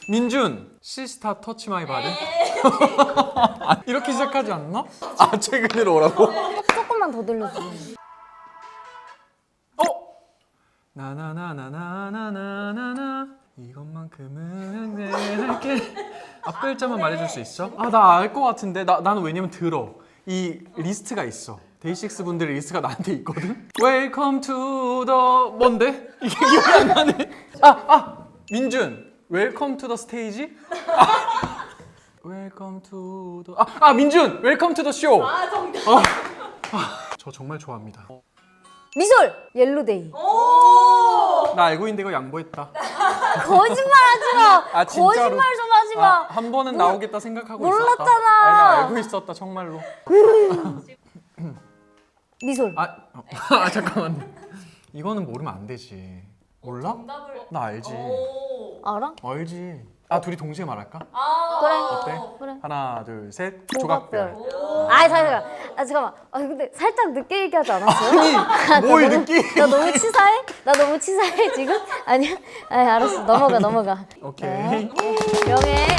민준 시스타 터치 마이 바디. 이렇게 시작하지 않나? 최근으로 오라고? 조금만 더 들려주세요. 나나나나나나나나 이것만큼은 내 할게. 앞 글자만 말해줄 수 있어? 나 알 것 같은데. 나는 왜냐면 들어. 이 리스트가 있어. 데이식스 분들의 리스트가 나한테 있거든. Welcome to the 뭔데? 이게 기억이 안 나네. 민준 Welcome to the stage? Welcome to the 민준 Welcome to the show. 정답. 저 정말 좋아합니다. 미솔 옐로데이. 나 알고 있는데 이거 양보했다. 거짓말하지 마. 진짜로. 거짓말 좀 하지 마. 한 번은 나오겠다 생각하고 몰랐잖아. 있었다. 아니, 나 알고 있었다 정말로. 미솔. 잠깐만. 이거는 모르면 안 되지. 몰라? 정답을. 나 알지. 알아? 알지. 둘이 동시에 말할까? 그래. 어때? 그래. 하나, 둘, 셋. 조각별. 조각별. 잠깐만. 근데 살짝 늦게 얘기하지 않았어요? 아니, 뭘 느끼? 나 너무 치사해? 나 너무 치사해 지금? 아니야? 알았어. 넘어가. 오케이. 네. 명예.